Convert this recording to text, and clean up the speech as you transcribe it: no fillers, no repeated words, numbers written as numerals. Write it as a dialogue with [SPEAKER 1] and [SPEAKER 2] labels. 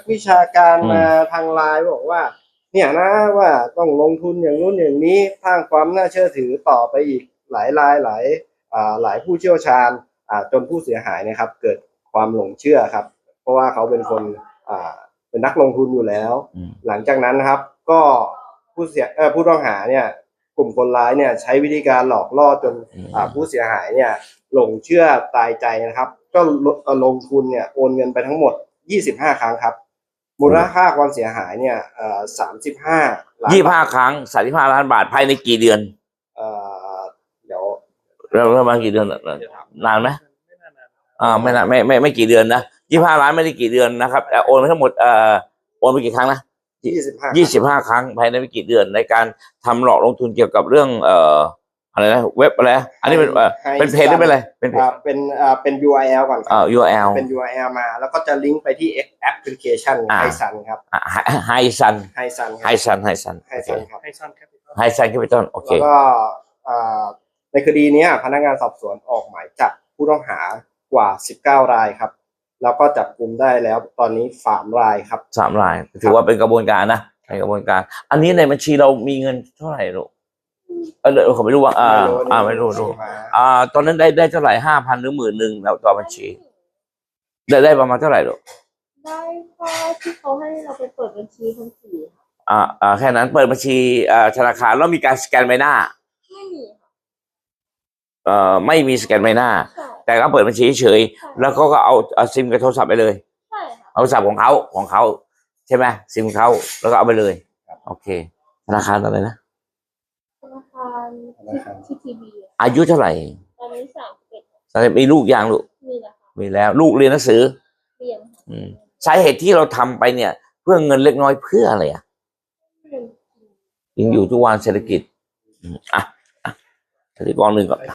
[SPEAKER 1] วิชาการมาทางไลน์บอกว่าเนี่ยนะว่าต้องลงทุนอย่างนู้นอย่างนี้สร้างความน่าเชื่อถือต่อไปอีกหลายรายหลายผู้เชี่ยวชาญจนผู้เสียหายนะครับเกิดความหลงเชื่อครับเพราะว่าเขาเป็นคนเป็นนักลงทุนอยู่แล้วหลังจากนั้นนะครับก็ผู้ต้องหาเนี่ยกลุ่มคนร้ายเนี่ยใช้วิธีการหลอกล่อจนผู้เสียหายเนี่ยหลงเชื่อตายใจนะครับก็ลงทุนเนี่ยโอนเงินไปทั้งหมด25 ครั้งครับมูลค่าความเสียหายเนี่ย35 ล้าน
[SPEAKER 2] 25 ครั้ง35 ล้านบาทภายในกี่เดือน
[SPEAKER 1] เดี๋ยว
[SPEAKER 2] ประมาณกี่เดือนนานไหมไม่นานไม่กี่เดือนนะ25 ล้านไม่ได้กี่เดือนนะครับโอนไปทั้งหมดโอนไปกี่ครั้งนะ25 ครั้งภายในไม่กี่เดือนในการทำหลอกลงทุนเกี่ยวกับเรื่องอะไรนะเว็บอะไรอันนี้เป็นเพจหรือเป็นอะไร
[SPEAKER 1] เป็น URL ก่อนครับ
[SPEAKER 2] URL
[SPEAKER 1] เป็น URL มาแล้วก็จะลิงก์ไปที่แอปพลิเคชันไฮซันครับ
[SPEAKER 2] ไฮซัน
[SPEAKER 1] แคปิตอลโอเคแล้วก็ในคดีนี้พนักงานสอบสวนออกหมายจับผู้ต้องหากว่า19 รายครับแล้วก็จับกุมได้แล้วตอนนี้3 รายครับ
[SPEAKER 2] 3 รายถือว่าเป็นกระบวนการนะในกระบวนการอันนี้ในบัญชีเรามีเงินเท่าไหร่ลูกผมไม่รู้ว่าไม่รู้ตอนนั้นได้เท่าไหร่5,000 หรือ 10,000แล้วต่อบัญชีได้ประมาณเท่าไหร่ลูก
[SPEAKER 3] ได้ก็ที่เขาให้เราไปเปิดบัญชีทั้ง
[SPEAKER 2] 4แค่นั้นเปิดบัญชีธนาคารแล้วมีการสแกนใบหน้า
[SPEAKER 3] ไม่มี
[SPEAKER 2] ไม่มีสแกนใบหน้าแต่ก็เปิดบัญชีเฉยแล้วก็เอาซิมกับโทรศัพท์ไปเลยเอาโทรศัพท์ของเขาใช่ไหมซิมเขาแล้วก็เอาไปเลยโอเคธนาคารอะไรนะ
[SPEAKER 3] ธนาคารที่ทีบี
[SPEAKER 2] อายุเท่าไหร่
[SPEAKER 3] ตอนนี้31
[SPEAKER 2] มีลูกยังลูกมีแล้วลูกเรียนหนังสือ
[SPEAKER 3] เรียน
[SPEAKER 2] สาเหตุที่เราทำไปเนี่ยเพื่อเงินเล็กน้อยเพื่ออะไรยังอยู่ทุกวันเศรษฐกิจเศรษฐกิจกองหนึ่งก่อน